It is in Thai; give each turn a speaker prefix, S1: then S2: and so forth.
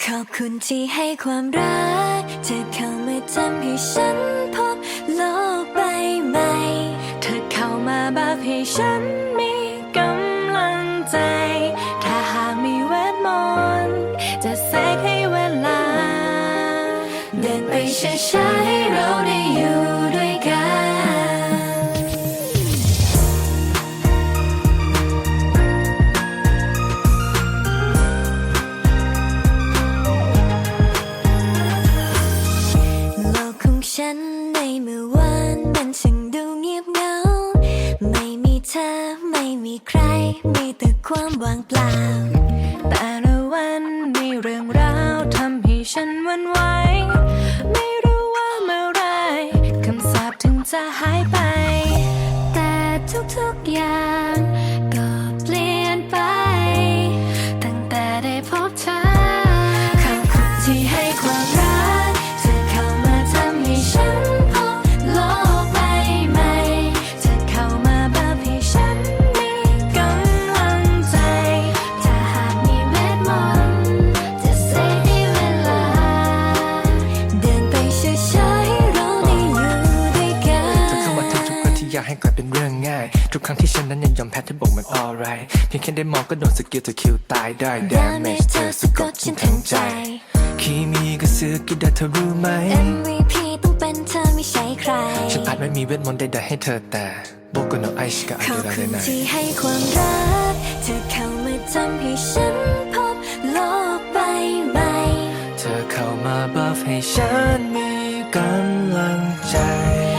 S1: ขอบคุณที่ให้ความรักเธอเข้ามาทำให้ฉันพบโลกใบใหม่เธอเข้ามาแบบให้ฉันมีกำลังใจถ้าหากมีเวทมนต์จะเสกให้เวลาเดินไปช้าๆให้เราได้อยู่ด้วยกันโลกของฉันในเมื่อวานมันช่างดูเงียบเหงาไม่มีเธอไม่มีใครมีแต่ความว่างเปล่าแต่ละวันมีเรื่องราวทำให้ฉันหวั่นไหวไม่รู้ว่าเมื่อไรคำสาปถึงจะหายไปแต่ทุกๆอย่างก็เปลี่ยนไปตั้งแต่ได้พบเธอขอบคุณที่ให้ความรักเธอเข้ามาทำให้ฉันพบโลกใบใหม่เธอเข้ามาแบบให้ฉันมีกำลังใจถ้าหากมีเวทมนต์จะเสกให้เวลาเดินไปช้าๆให้เราได้อยู่ด้วยกัน
S2: เธอเข้ามาทุกวันที่อยากให้กลายเป็นเรื่องง่ายทุกครั้งที่ฉันนั้นยังยอมแพ้เธอบอกมัน alright เพียงแค่ได้มองก็โดนสกิลเธอคิวตายได้ damage เธอสะกดฉันทั้งใจคีมีก็ซื้อกี่ดาเธอรู้ไหม
S1: MVP ต้องเป็นเธอไม่ใช่ใคร
S2: ฉันอาจไม่มีเวทมนต์ใดๆให้เธอแต่โบก็โนไอชิกะอา
S1: ขอบ
S2: เดรา
S1: คุ
S2: เด
S1: ณ
S2: นาย
S1: ที่ให้ความรักเธอเข้ามาทำให้ฉันพบโลกใบใหม่
S2: เธอเข้ามาบัฟให้ฉันมีกำลังใจ